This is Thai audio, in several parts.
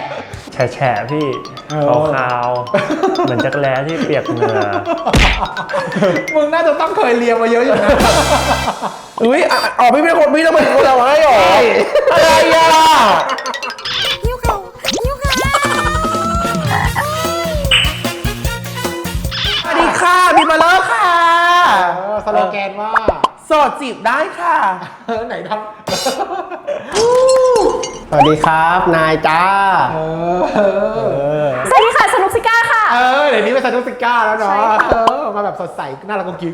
แฉะพี่ขาวๆเหมือนจักรแร้ที่เปียกเหงื่อมึงน่าจะต้องเคยเรียนมาเยอะอยู่นะอุ้ยอ๋อพี่เป็นคนพี่ต้องเป็นคนเราให้หรออะไรอ่ะสวัสดีค่ะพี่มาเลิกค่ะสโลแกนว่าโสดจีบได้ค่ะไหนทำสวัสดีครับนายจ้าสวัสดีค่ะสนุกซิก้าค่ะเดี๋ยวนี้เป็นซานุสิก้าแล้วเนาะมาแบบสดใสน่ารักกุ๊กกิ๊ก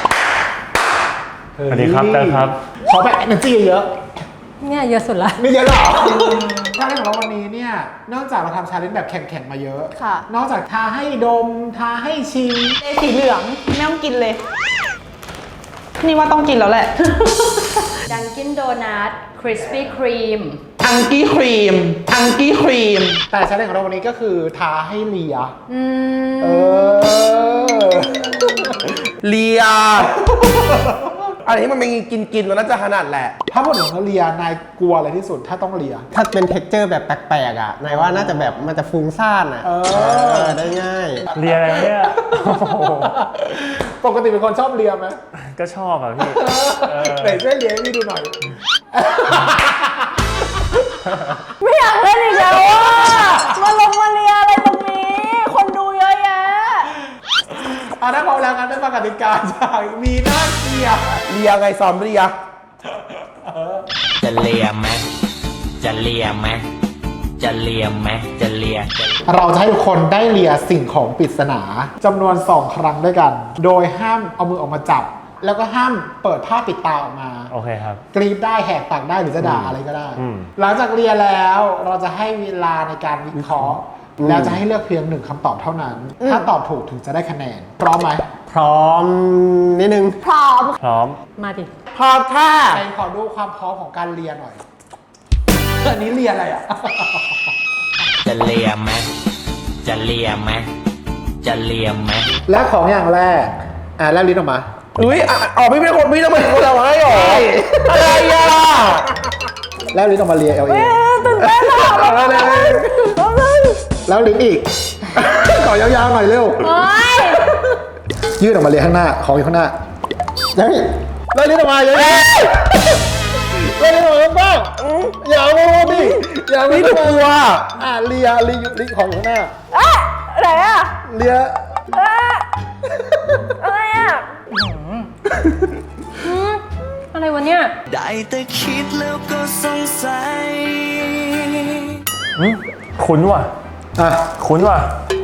สวัสดีครับครับขอแบบ energy เยอะเนี่ยเยอะสุดละนี่เยอะหรอชาเลนจ์ของเราวันนี้เนี่ยนอกจากเราทำชาเลนจ์แบบแข่งๆมาเยอะค่ะนอกจากทาให้ดมทาให้ชิมสีเหลืองไม่ต้องกินเลยนี่ว่าต้องกินแล้วแหละดังกินโดนัทคริสปี้ครีมอังกี้ครีมแต่ชาเลนจ์ของเราวันนี้ก็คือทาให้เลียเลียอะไรที่มันเป็นกินมันน่าจะขนาดแหละถ้าพูดถึงเลียนายกลัวอะไรที่สุดถ้าต้องเลียถ้าเป็นเท็กเจอร์แบบแปลกๆอ่ะนายว่าน่าจะแบบมันจะฟุ้งซ่านอ่ะได้ง่ายเลียอะไรเนี่ยปกติเป็นคนชอบเลียไหมก็ชอบอ่ะพี่ไหนช่วยเลียให้พี่ดูหน่อยไม่อยากเล่นอีกแล้วอ่ะมาลงมาเลียอะไรตรงนี้คนดูเยอะแยะถ้าพร้อมแล้วกันได้ฟังกติกาจากมีหน้าเลียไงซ้อมเลียจะเลียไหมจะเลียไหมจะเลียไหมจะเลียเราจะให้ทุกคนได้เลียสิ่งของปริศนาจำนวน2 ครั้งด้วยกันโดยห้ามเอามือออกมาจับแล้วก็ห้ามเปิดผ้าปิดตาออกมาโอเคครับกรีดได้แหกปากได้หรือจะด่าอะไรก็ได้หลังจากเลียแล้วเราจะให้เวลาในการวิเคราะห์แล้วจะให้เลือกเพียง1 คำตอบเท่านั้นถ้าตอบถูกถึงจะได้คะแนนพร้อมไหมพร้อมนิดนึงพร้อมมาดิพร้อมค่ะใครขอดูความพร้อมของการเลียหน่อยอันนี้เลียอะไรอ่ะจะเลียไหมจะเลียไหมจะเลียไหมและของอย่างแรกแลบลิ้นออกมาอุ้ยอ๋อพี่เป็นคนพี่ต้องเป็นคนเราให้หรออะไรอ่ะแลบลิ้นออกมาเลียเอาเองตื่นเต้นอ่ะแล้วลิ้นอีกขอยาวๆหน่อยเร็วยืดออกมาเลียข้างหน้าของอยู่ข้างหน้ายังแล้วลิ้นออกมาเลยแล้วลิ้นออกมาบ้างอย่าเอาดิอย่าเอานี่ตัวเลียของอยู่ข้างหน้าไหนอ่ะเลียอะไรอ่ะอะไรวะเนี่ยได้แต่คิดแล้วก็สงสัยคุ้นว่ะคุ้นว่ะ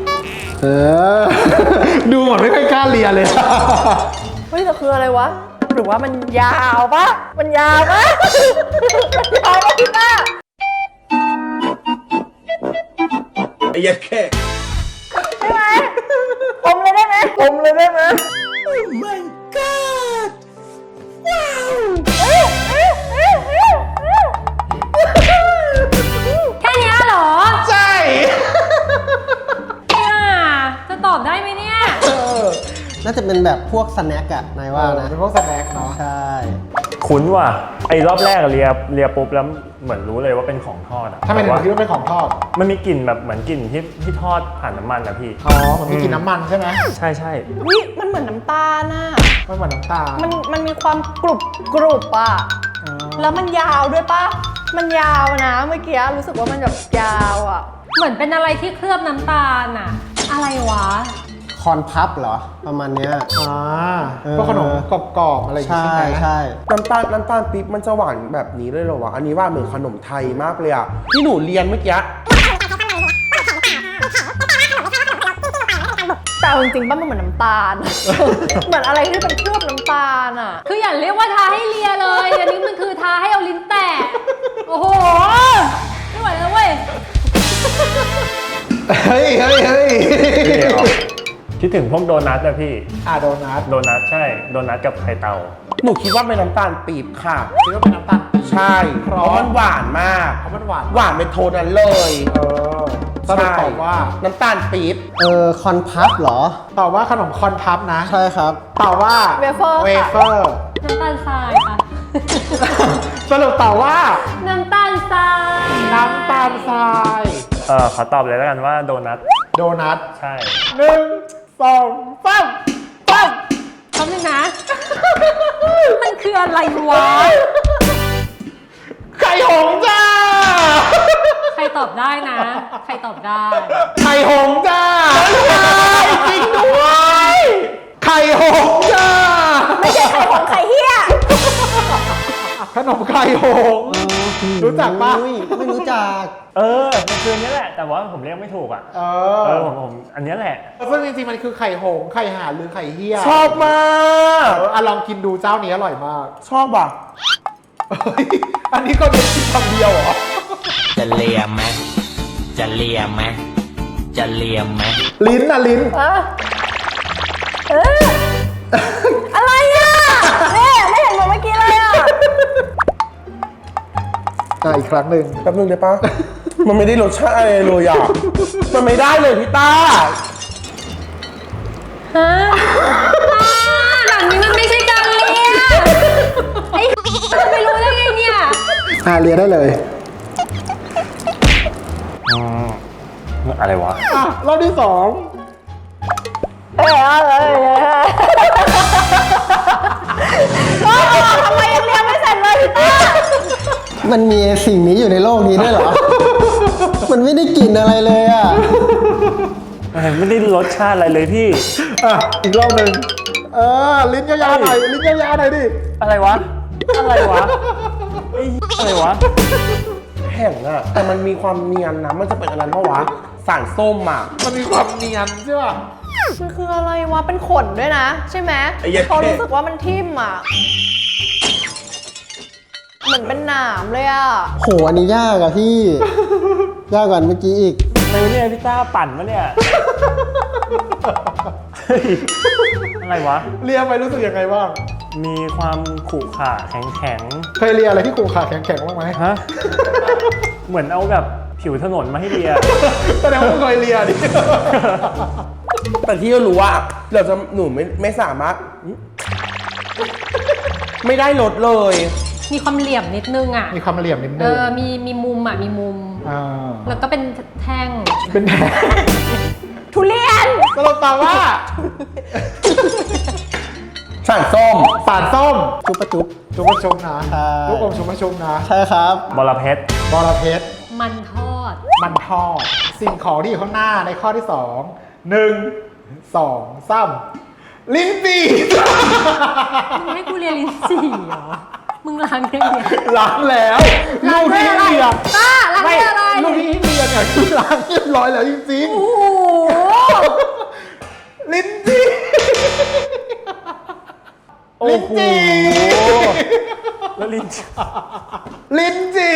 ดูเหมือนไม่ค่อยกล้าเลียเลยเฮ้ยแต่คืออะไรวะหรือว่ามันยาวปะมันยาวปะพี่ป้าไอ้ยัดแค่ได้ไหมอมเลยได้ไหม My God ว้าวแค่นี้เหรอใช่จะตอบได้ไหมเนี่ยน่าจะเป็นแบบพวกสแน็คอะนายว่านะเป็นพวกสแน็คเนาะใช่คุ้นว่ะไอ้รอบแรกเลียปุ๊บแล้วเหมือนรู้เลยว่าเป็นของทอดอะถ้าเป็นคิดว่าเป็นของทอดมันมีกลิ่นแบบเหมือนกลิ่นที่ทอดผ่านน้ำมันนะพี่มันมีกลิ่นน้ำมันใช่ไหมใช่วิมันเหมือนน้ำตาลน่ะมันเหมือนน้ำตาลมันมีความกรุบอ่ะแล้วมันยาวด้วยปะมันยาวนะเมื่อกี้รู้สึกว่ามันแบบยาวอ่ะเหมือนเป็นอะไรที่เคลือบน้ำตาลอ่ะอะไรวะคอนพับเหรอประมาณเนี้ยพวกขนมกรอบๆอะไรอย่างเงี้ยใช่น้ำตาลปี๊บมันจะหวานแบบนี้เลยเหรอวะอันนี้ว่าเหมือนขนมไทยมากเลยอ่ะที่หนูเรียนเมื่อกี้แต่จริงๆบ้านมันเหมือนน้ำตาลเหมือนอะไรที่เป็นเคลือบน้ำตาลอ่ะคืออย่าเรียกว่าทาให้เลียเลยอันนี้มันคือทาให้เอาลิ้นแตะโอ้โหไม่ไหวแล้วเว้ยเฮ้ยคิดถึงพวกโดนัทอะพี่โดนัทใช่โดนัทกับไข่เต่าหนูคิดว่าเป็นน้ำตาลปี๊บค่ะคิดว่าเป็นน้ำตาลใช่เพราะมันหวานมากหวานเป็นโทนนั้นเลยตอบว่าน้ำตาลปี๊บคอนพับเหรอตอบว่าขนมคอนพับนะใช่ครับตอบว่าเวเฟอร์น้ำตาลทรายค่ะสรุปตอบว่าน้ำตาลทรายขอตอบเลยแล้วกันว่าโดนัทโดนัทใช่ 1 2 3ปั๊บแป๊บนึงนะ มันคืออะไรวะไข่หงส์จ้าใครตอบได้นะ ใครตอบได้ไข่หงส์จ้าจริงด้วย ไข่หงส์จ้าไม่ใช่ไข่ของไข่เฮียขนมไข่หงส์รู้จักปะอุ้ยไม่รู้จักมันคืออันนี้แหละ แต่ว่าผมเรียกไม่ถูกอ่ะ ผมอันนี้แหละซึ่งจริงๆมันคือไข่หงส์ไข่ห่านหรือไข่เหี้ยชอบมากลองกินดูเจ้านี้อร่อยมากชอบอ่ะเฮ้ยอันนี้ก็เป็นกินคำเดียวเหรอจะเลียมไหมจะเลียมไหมจะเลียมไหมลิ้นนะลิ้นอะไรอ่ะเนี่ยไม่เห็นเหมือนเมื่อกี้เลยอ่ะอีกครั้งหนึ่งแป๊บนึงได้ปะ มันไม่ได้รสชาติอะไรเลยอ่ะ มันไม่ได้เลยพี่ต้าฮะแบบนี้มันไม่ใช่การเรียนไอ้มันไม่รู้ได้ไงเนี่ยเรียนได้เลยอะไรวะรอบที่2 ทำไมยังเรียนไม่เสร็จเลยพี่ต้ามันมีสิ่งนี้อยู่ในโลกนี้ด้วยเหรอ มันไม่ได้กลิ่นอะไรเลยอ่ะไม่ได้รสชาติอะไรเลยพี่อีกรอบหนึ่งลิ้นยาวๆหน่อยลิ้นยาวๆหน่อยดิอะไรวะ อะไรวะไอ้อะไรวะแห้งอ่ะ แต่มันมีความเนียนนะ มันจะเป็นอะไรเพราะวะ สารส้มอ่ะมันมีความเนียนใช่ป่ะมันคืออะไรวะ เป็นขนด้วยนะ ใช่ไหมไอ้เหี้ยเขารู้สึกว่ามันทิ่มอ่ะ เหมือนเป็นหนามเลยอ่ะโห อันนี้ยากอะพี่ ยากกว่าเมื่อกี้อีกอะไรวะเนี่ยพี่ต้าปั่นมะเนี่ยเฮ้ยอะไรวะเรียนไปรู้สึกยังไงบ้างมีความขรุขระแข็งเคยเรียนอะไรที่ขูขาแข็งๆบ้างไหมๆฮะ เหมือนเอาแบบผิวถนนมาให้เลียแสดงว่าเคยเรียนดิแต่ที่เรารู้ว่าหนูไม่สามารถ ไม่ได้ลดเลยมีความเหลี่ยมนิดนึงอ่ะมีความเหลี่ยมนิดนึงมีมุมอ่ะ มีมุมอ่าแล้วก็เป็นแท่งเป็นแผลทุเรียนสรุปตอบว่าสารส้มสารส้มจุ๊บปะจุ๊บชุบมะชุบนะใช่ลูกอมชุบมะชุบนะใช่ครับบอระเพ็ดบอระเพ็ดมันทอดมันทอด สิ่งของที่อยู่ข้างหน้าในข้อที่ 2 1 2 3ลิ้นจี่มึงให้กูเรียนลิ้นจี่เหรอ มึงล้างได้เนี่ยล้างแล้วลูกที่ให้เรียนป้าล้างได้อะไรลูกที่ให้เรียนเนี่ยคือล้างเรียบร้อยแล้วจริงโอ้โหๆลิ้นจี่โอ้ลิ้นโหจี่แล้วลิ้นลิ้นจี่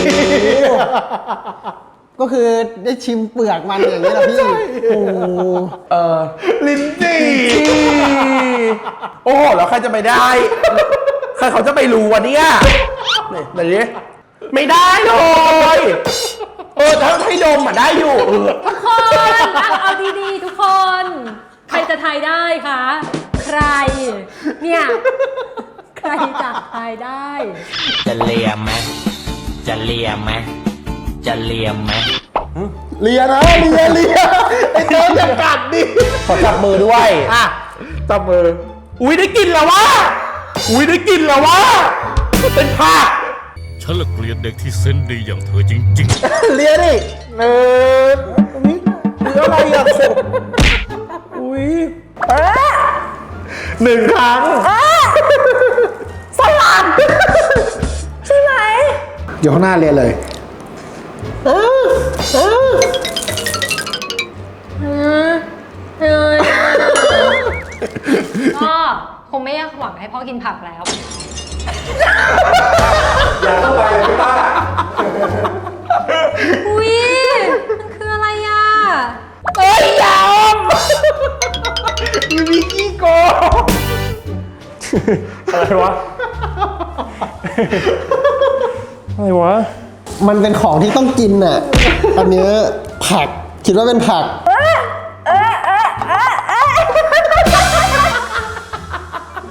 ก็คือได้ชิมเปลือกมันอย่างนี้แหละพี่ โอ้โหลิ้นจี่โอ้โห แล้วใครจะไปได้ ใครเขาจะไปรู้วะเนี่ยนี่ไหนดิไม่ได้เลย ถ้าให้ดมอ่ะได้อยู่ทุกคนเอาดีๆทุกคน ใครจะทายได้คะ ใคร เนี่ย ใครจะทายได้จะเลียมไหมจะเลียมไหมจะเลียมไหมเลียนะเลียไอ้เจ้าจะกัดดิขอจับมือด้วยจับมืออุ้ยได้กลินแล้ววะ อุ้ยได้กลินแล้ววะ เป็นผ้าฉันละเกลียดเด็กที่เซนส์ดีอย่างเธอจริงๆเลียดิหนึ่งอุ้ยอะไรอ่ะอุ้ยหนึ่งครั้งสลัดใช่ไหมอยู่ข้างหน้าเรียนเลยก็คงไม่อยากหวังให้พ่อกินผักแล้วอย่าเข้าไปเลยพี่ป้าอุ้ยมันคืออะไรอ่ะมีขี้โกงอะไรวะ อะไรวะมันเป็นของที่ต้องกินอ่ะ อันเนี้ยผัก คิดว่าเป็นผัก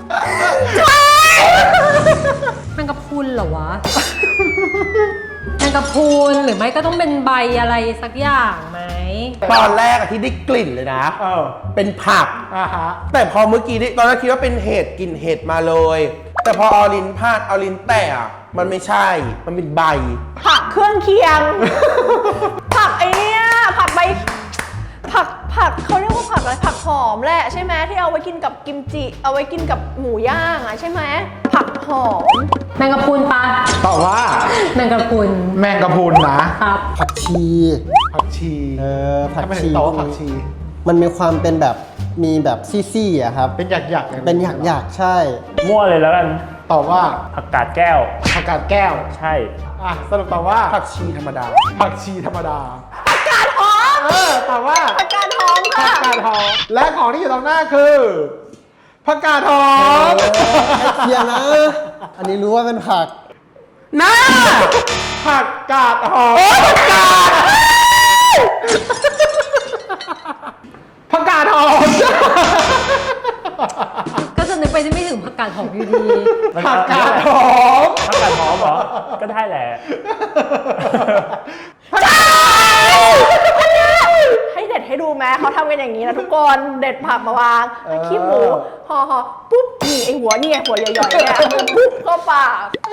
แมงกะพรุนเหรอวะ แมงงกะพรุนหรือไม่ก็ต้องเป็นใบอะไรสักอย่างไหมตอนแรกอะที่ได้กลิ่นเลยนะ เป็นผักฮะแต่พอเมื่อกี้ตอนแรกคิดว่าเป็นเห็ดกลิ่นเห็ดมาเลย แต่พอเอาลิ้นพาดเอาลิ้นแตะอะมันไม่ใช่ มันเป็นใบผักเครื่องเคียง ผักไอเนี้ยผักใบผักเขาเรียกว่าผักอะไรผักหอมแหละใช่ไหมที่เอาไว้กินกับกิมจิ เอาไว้กินกับหมูย่างอ่ะใช่ไหมผักหอมแมงกะพรุนปะตอบว่าแมงกะพรุนแมงกะพรุนนะครับผักชีผักชีผักทำไมถึชีงตอบว่าผักชีมันมีความเป็นแบบมีแบบซี่ๆอะครับเป็นหยักๆเป็นหยักๆใช่มั่วเลยแล้วกันตอบว่าผักกาดแก้วผักกาดแก้วใช่สรุปตอบว่าผักชีธรรมดาผักชีธรรมดาผักกาดหอมตอบว่าผักกาดหอมผัค่ะกกาดหอมและของที่อยู่ตรงหน้าคือผักกาดหอมเทียมนะ อันนี้รู้ว่าเป็นผักน่าผักกาดหอมผักกาดหอมก็จะนึกไปไม่ถึงผักกาดหอมอยู่ดีผักกาดหอมผักกาดหอมเหรอ ก็ได้แหละให้เด็ดให้ดูไหมเขาทำกันอย่างนี้นะทุกคนเด็ดผักมาวางขี้หมูห่อปุ๊บนี่ไอหัวนี่ไงหัวใหญ่ๆเนี่ยปุ๊บเข้าปาก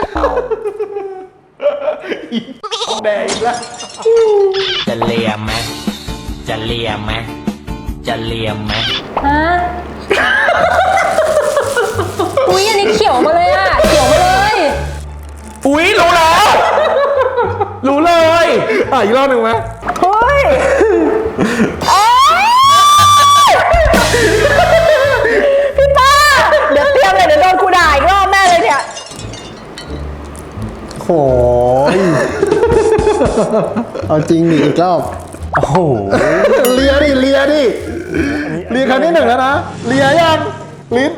แดงอีกแล้วจะเลียมไหมจะเลียมไหมจะเลียมไหมฮะ อุ๊ย อันนี้เขียวมาเลยอ่ะ เขียวมาเลยอุ๊ย รู้แล้ว รู้เลยอีกรอบหนึ่งไหมเฮ้ยพี่ป้าเดี๋ยวเตรียมเลยเดี๋ยวโดนกูด่าอีกรอบแม่เลยเนี่ยโหยเอาจริงดิอีกรอบโอ้โหเลียดิเลียครั้งที่หนึ่งแล้วนะเลียยังลิ้น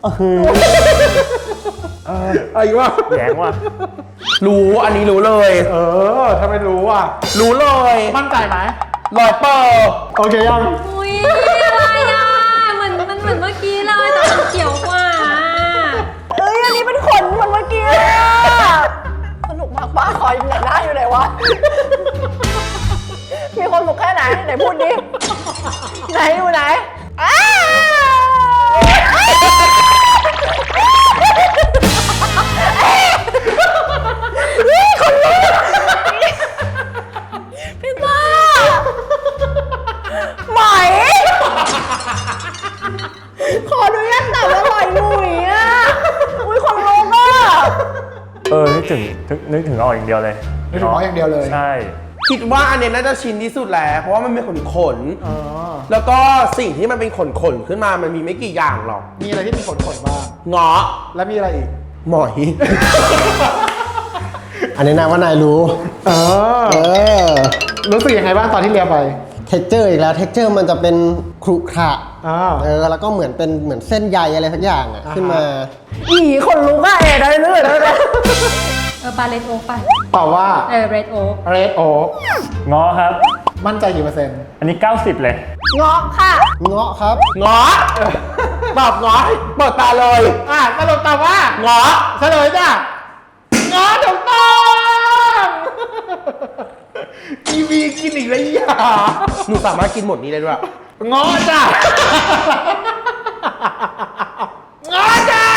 อีกว่าแย้งว่ะรู้ อันนี้รู้เลยทำไมรู้อ่ะรู้เลยมั่นใจไหม 100% โอเคยังอุ๊ย อะไรอ่ะมันเหมือนเมื่อกี้เลยแต่มันเขียวกว่าเอ้ยอันนี้เป็นขนเหมือนเมื่อกี้อะสนุกมากป้าคอยไหนหน้าอยู่ไหนวะ มีคนสนุกแค่ไหนไหนพูดดิ ไหนอยู่ไหนอ้นี่คนลุกพี่ป้าไหม ขออนุญาตตัดอร่อยหนุ่ยอ่ะ อุ้ยคนลุกอ่ะนึกถึงออกอย่างเดียวเลยนึกถึงออกอย่างเดียวเลยใช่คิดว่าอันเนี้ยน่าจะชินที่สุดแล้ว เพราะว่ามันเป็นขนแล้วก็สิ่งที่มันเป็นขนขึ้นมามันมีไม่กี่อย่างหรอกมีอะไรที่มีขนบ้างเงาะแล้วมีอะไรอีกหมอยอันนี้นายว่านายรู้เอออรู้สึกยังไงบ้างตอนที่เลียไปเท็กเจอร์อีกแล้ว เท็กเจอร์มันจะเป็นครุขระแล้วก็เหมือนเส้นใยอะไรสักอย่างอะขึ้นมาอีคนลุกอ่ะได้เรื่อยได้เลยปลาเรดโอ๊กป่ะตอบว่าเรดโอ๊ก Red Oak ง้อครับมั่นใจกี่เปอร์เซ็นต์อันนี้ 90 เลยเงาะค่ะเงาะครับเงาะตอบเงาะเปิดตาเลยสรุปตอบว่าเงาะเฉลยจ้ะงอถูกต้องทีวีกินอีกแล้วอย่าหนูสามารถกินหมดนี้ได้ด้วยงอจ้ะงอจ้ะ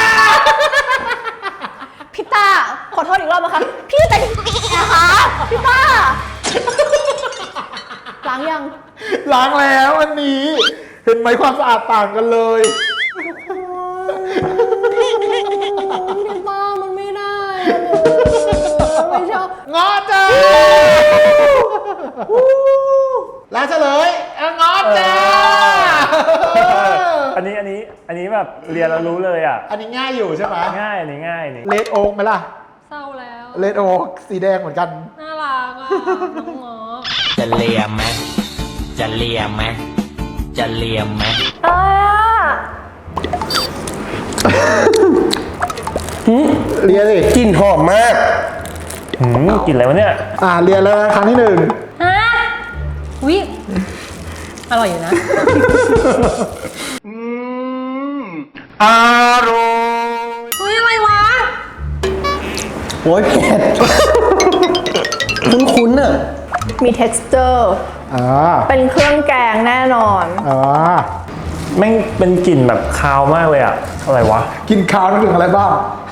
พี่ต้าขอโทษอีกรอบนะคะ พี่แต่นะคะพี่ต้าล้างยังล้างแล้วอันนี้ เห็นไหมความสะอาดต่างกันเลยพี่ต้ามันไม่ได้อะไม่ชอบงอจ้ะแล้วเฉลยงอจ้ะอันนี้แบบเรียนแล้วรู้เลยอ่ะอันนี้ง่ายอยู่ใช่ไหมง่ายอันนี้ง่ายนี่เลดโอ๊กไหมล่ะเศร้าแล้วเลดโอ๊กสีแดงเหมือนกันน่ารักอ่ะ น้องเงาะจะเลียมไหมจะเลียมไหมจะเลียมไหมอะไรอ่ะเรียนสิกลิ่นหอมมากกินอะไรวะเนี่ยเรียนแล้วนะครั้งที่หนึ่งฮะวิอร่อยอยู่นะอร่อยเฮ้ย อะไรวะโอ้ยเผ็ดคุ้นๆอ่ะมี texture อ่าเป็นเครื่องแกงแน่นอนอ่าแม่งเป็นกลิ่นแบบคาวมากเลยอะอะไรวะกินข้าวนึกถึงอะไรบ้าง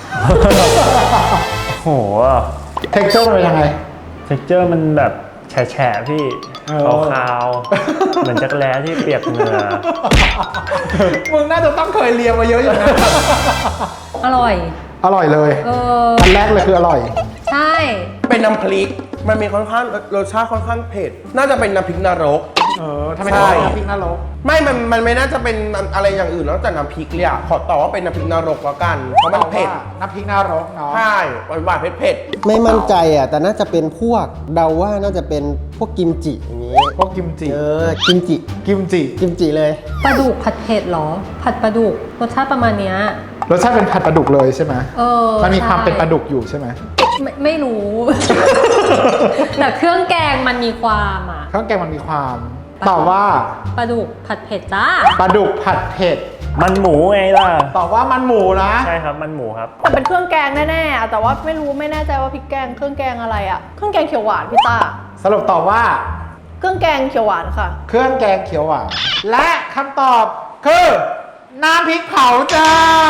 โหเท็กเจอร์มันเป็นยังไงเท็กเจอร์มันแบบแฉะๆพี่เออขาวๆเหมือนจักรแร้ที่เปียกเหงื่อมึงน่าจะต้องเคยเรียนมาเยอะอยู่นะอร่อยอร่อยเลยเอออันแรกเลยคืออร่อยใช่เป็นน้ำพริก มันมีค่อนข้างรสชาติค่อนข้างเผ็ด น่าจะเป็นน้ำพริกนรกทำไมใช่น้ำพริกนรกมันไม่น่าจะเป็นอะไรอย่างอื่นนอกจากน้ำพริกเลยอะขอตอบว่าเป็นน้ำพริกนรกแล้วกัน เพราะมันเผ็ดน้ำพริกนรกเนาะใช่หวานๆเผ็ดไม่มั่นใจอ่ะ แต่น่าจะเป็นพวกเดาว่าน่าจะเป็นพวกกิมจิอย่างงี้พวกกิมจิกิมจิกิมจิกิมจิเลยปลาดุกผัดเผ็ดเหรอ ผัดปลาดุกรสชาติประมาณเนี้ยรสชาติเป็นผัดปลาดุกเลยใช่ไหมเออมันมีความใช่เป็นปลาดุกอยู่ใช่ไหมไม่รู้ แต่เครื่องแกงมันมีความอ่ะเครื่องแกงมันมีความตอบว่าปลาดุกผัดเผ็ดจ้าปลาดุกผัดเผ็ดมันหมูไงล่ะตอบว่ามันหมูนะใช่ครับมันหมูครับแต่เป็นเครื่องแกงแน่ๆอะแต่ว่าไม่แน่ใจว่าพริกแกงเครื่องแกงอะไรอะเครื่องแกงเขียวหวานพี่ต้าสรุปตอบว่าเครื่องแกงเขียวหวานค่ะเครื่องแกงเขียวหวานและคำตอบคือน้ำพริกเผาจ้า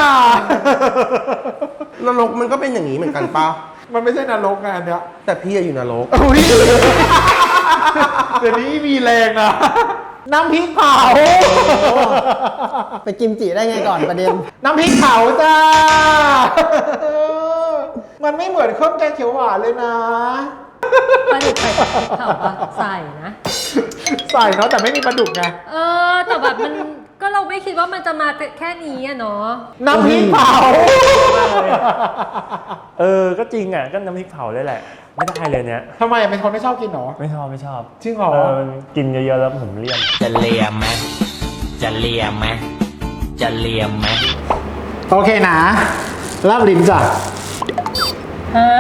ๆนรกมันก็เป็นอย่างนี้เหมือนกันปะมันไม่ใช่นรกไงอันเนี้ยแต่พี่อะอยู่นรกอุ้ยเดี๋ยวนี้มีแรงนะน้ำพริกเผาไปกิมจิได้ไงก่อนประเด็นน้ำพริกเผาจ้า มันไม่เหมือนเครื่องแกงเขียวหวานเลยนะปลาดุกใส่พริกเผาปะใส่นะใส่เนาะแต่ไม่มีปลาดุกไงเออ แต่แบบมันก็เราไม่คิดว่ามันจะมาแค่นี้อะเนาะน้ำพริกเผาเออ ก็จริงอ่ะ ก็น้ำพริกเผาเลยแหละ ไม่ได้เลยเนี้ยทำไมเป็นคนไม่ชอบกินหรอไม่ชอบจริงเหรอกินเยอะๆแล้วผมเลี่ยนจะเลียมไหมจะเลียมไหมจะเลียมไหมโอเคนะลาบลิ้นจ้ะฮะ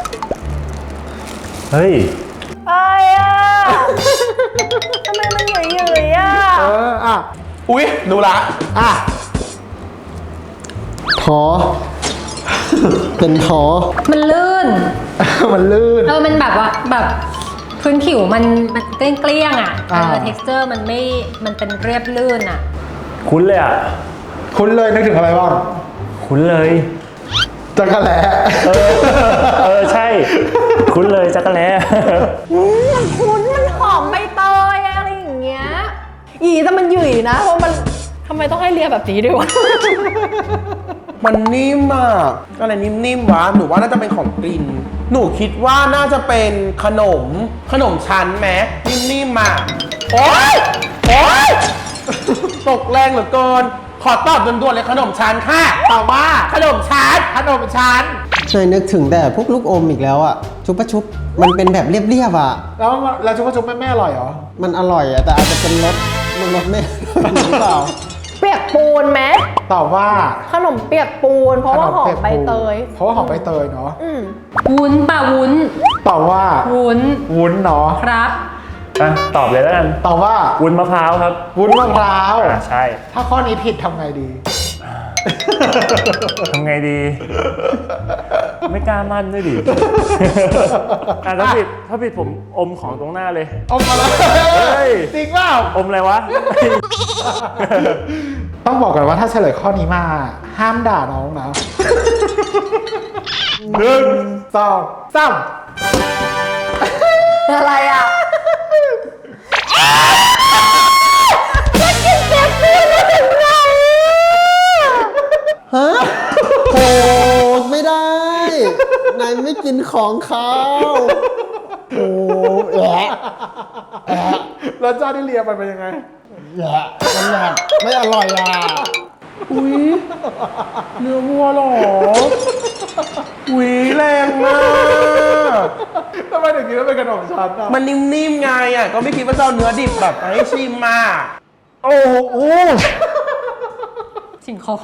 เฮ้ยอะไรอะทำไมมันหยุ่ยๆอะอ่ะอุ๊ยดูละอ่ะท้อ เป็นท้อมันลื่นมันลื่นเออ มันแบบว่าแบบพื้นผิวมันเกลี้ยงๆอ่ะอ่า texture มันไม่ มันเป็นเรียบลื่นอ่ะคุ้นเลยอ่ะคุ้นเลยนึกถึงอะไรบ้างคุ้นเลยจักรแล้เออ ใช่ คุ้นเลยจักรแล้มันคุ้นมันหอมใบเตยอะไรอย่างเงี้ยอีแต่มันหยุ่ยนะ เพราะมันทำไมต้องให้เลียแบบนี้ด้วยวะมันนิ่มอะอะไรนิ่มๆวะ หนูว่าน่าจะเป็นของกลิ่น หนูคิดว่าน่าจะเป็นขนมชั้นไหมนิ่มๆอะโอ๊ยตกแรงเหลือเกิน ขอตอบด่วนๆเลยขนมชั้นค่ะตอบว่าขนมชั้นขนมชั้นเคยนึกถึงแต่พวกลูกอมอีกแล้วอ่ะ ชุบปะชุบ มันเป็นแบบเรียบๆอ่ะแล้วชุบชุบไม่อร่อยเหรอมันอร่อยอ่ะ แต่อาจจะเป็นรสไม่ หรือเปล่าเปียกปูนไหมตอบว่าขนมเปียกปูน เพราะว่าหอมใบเตยเพราะว่าหอมใบเตยเนาะอืมวุ้นป่ะวุ้นตอบว่าวุ้นวุ้นเนาะครับอ่ะ ตอบเลยแล้วกันตอบว่าวุ้นมะพร้าวครับวุ้นมะพร้าวอ่ะใช่ถ้าข้อนี้ผิดทำไงดีทำไงดี ไม่กล้ามั่นด้วยดิ อ่ะถ้าผิดผมอมของตรงหน้าเลยอมมาแล้วเฮ้ยจริงเปล่าอมอะไรวะต้องบอกก่อนว่าถ้าเฉลยข้อนี้มาห้ามด่าน้องนะ 1 2 3 อะไรอ่ะฮะโหไม่ได้ นายไม่กินของเขาโอ้แหละแล้วเจ้าที่เลียมันเป็นยังไงแหละมันแบบไม่อร่อยอ่ะอุ๊ย เนื้อวัวเหรอ อุ๊ย แรงมากทำไมถึงคิดว่าเป็นขนมชั้นอ่ะมันนิ่มๆไงอ่ะ ก็ไม่คิดว่าจะเอาเนื้อดิบแบบมาให้ชิมมาโอ้โหสิ่งของ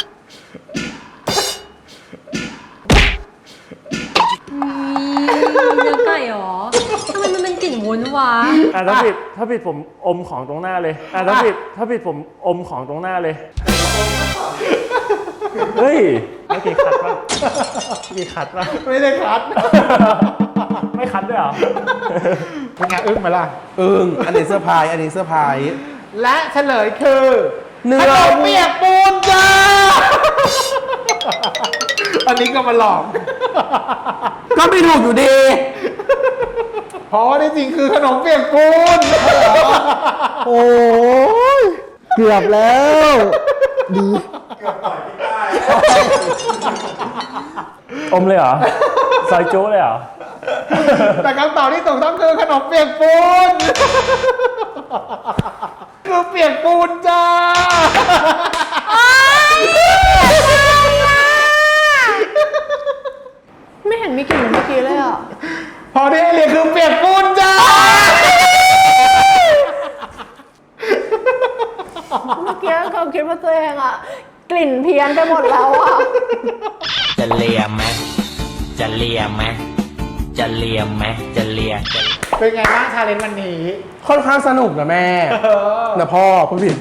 เนื้อไก่เหรอทำไมมันเป็นกลิ่นวุ้นวะอ่ะถ้าผิดผมอมของตรงหน้าเลย อ่ะถ้าผิดผมอมของตรงหน้าเลย เฮ้ยไม่กี่ขัดป่ะกี่ขัดป่ะไม่ได้คัดไม่คัดด้วยเหรอเป็นไงอึ้งไหมล่ะอันนี้เสื้อร์ไพรส์อันนี้เสื้อร์ไพรส์และเฉลยคือเนื้ขอนมเปียกปูนจ้า อันนี้ก็มาหลอกก็ไม่ถูกอยู่ดีเพราะว่าที่จริงคือขนมเปียกปูนโอ้ยเกือบแล้ว ดีอมเลยเหรอ ซอยจู๊เลยเหรอแต่คำตอบที่ถูกต้องคือขนมเปียกปูน คือเปียกปูนจ้าไม่เห็นมีกลิ่นเหมือนเมื่อกี้เลยอ่ะพอที่ให้เรียนคือเปียกปูนจ้าเมื่อกี้เขาคิดว่าตัวเองอ่ะ กลิ่นเพี้ยนไปหมดแล้วอ่ะจะเลียไหมจะเลียไหมจะเลียไหมจะเลียเป็นไงบ้างชาเลนจ์วันนี้ค่อนข้างสนุกนะแม่นะพ่อพูดผิด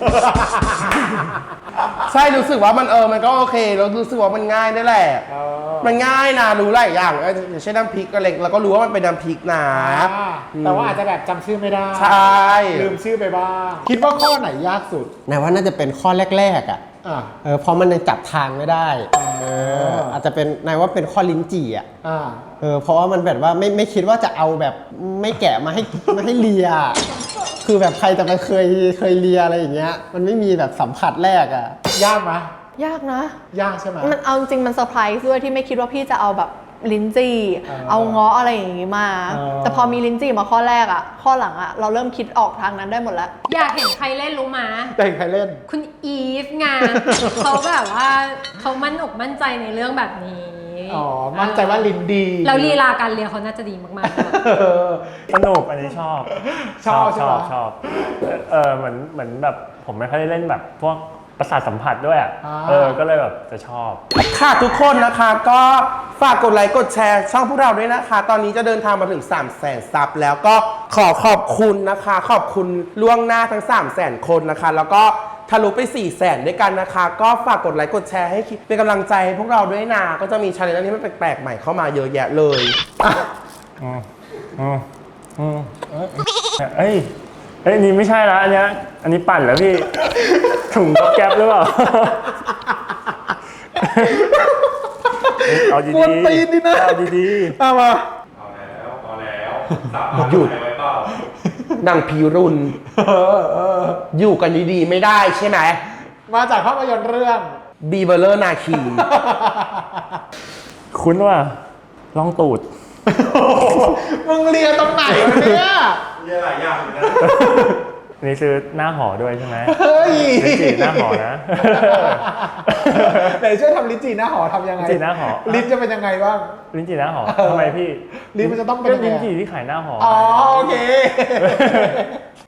ใช่รู้สึกว่ามันก็โอเคแล้วรู้สึกว่ามันง่ายด้วยแหละ มันง่ายนะรู้หลายอย่างอย่างเช่นน้ำพริกอะไรเราก็รู้ว่ามันเป็นน้ำพริกนะแต่ว่าอาจจะแบบจำชื่อไม่ได้ใช่ลืมชื่อไปบ้าง คิดว่าข้อไหนยากสุดนายว่าน่าจะเป็นข้อแรกๆอ่ะอ่าเพราะมันยังจับทางไม่ได้อาจจะเป็นนายว่าเป็นข้อลิ้นจี่อ่ะอ่าเพราะว่ามันแบบว่าไม่คิดว่าจะเอาแบบไม่แกะมาให้เลีย คือแบบใครจะไปเคยเลียอะไรอย่างเงี้ย มันไม่มีแบบสัมผัสแรกอ่ะยากไหมยากนะยากใช่ไหมมันเอาจริงมันเซอร์ไพรส์ด้วยที่ไม่คิดว่าพี่จะเอาแบบลิ้นจี่ เอาเงาะอะไรอย่างงี้มา แต่พอมีลิ้นจี่มาข้อแรกอ่ะ ข้อหลังอ่ะ เราเริ่มคิดออกทางนั้นได้หมดแล้วอยากเห็นใครเล่นรู้มาแต่ใครเล่นคุณอีฟไง เขาแบบว่าเขามั่นอกมั่นใจในเรื่องแบบนี้อ๋อ มั่นใจว่าลิ้นดีแล้วลีลาการเรียนเขาน่าจะดีมากๆด้วยสนุกอันนี้ชอบชอบใช่ไหมชอบเหมือนแบบผมไม่ค่อยได้เล่นแบบพวกประสาทสัมผัสด้วยอ่ะ ก็เลยแบบจะชอบค่ะทุกคนนะคะก็ฝากกดไลค์กดแชร์ช่องพวกเราด้วยนะคะ ตอนนี้จะเดินทางมาถึง 300,000 ซับแล้วก็ขอบคุณนะคะ ขอบคุณล่วงหน้าทั้ง 300,000 คนนะคะ แล้วก็ทะลุไป 400,000 ด้วยกันนะคะ ก็ฝากกดไลค์กดแชร์ให้เป็นกำลังใจให้พวกเราด้วยนะก็จะมีชาเลนจ์ที่มันแปลกๆใหม่เข้ามาเยอะแยะเลยเอ้ยนี่ไม่ใช่ละอันนี้ปั่นแล้วพี่ ถุงแก๊บหรือเปล่า เอาดีๆกวนตีนดินะเอาดีเอามาหยุดนางพีรุนอยู่กันดีๆไม่ได้ใช่ไหมมาจากภาพยนตร์เรื่องบีเบอร์เลอร์นาคีๆคุ้นว่าลองตูดมึงเรียนตรงไหนวะเนี่ยนี่คือหน้าหอด้วยใช่ไหมเฮ้ยลิ้นจี่หน้าหอนะไหนช่วยทำลิ้นจี่หน้าหอทำยังไงลิ้นจี่หน้าหอลิ้นจะเป็นยังไงบ้างลิ้นจี่หน้าหอทำไมพี่ลิ้นมันจะต้องเป็นก็ยังไงลิ้นอะจี่ที่ขายหน้าหออ๋อโอเค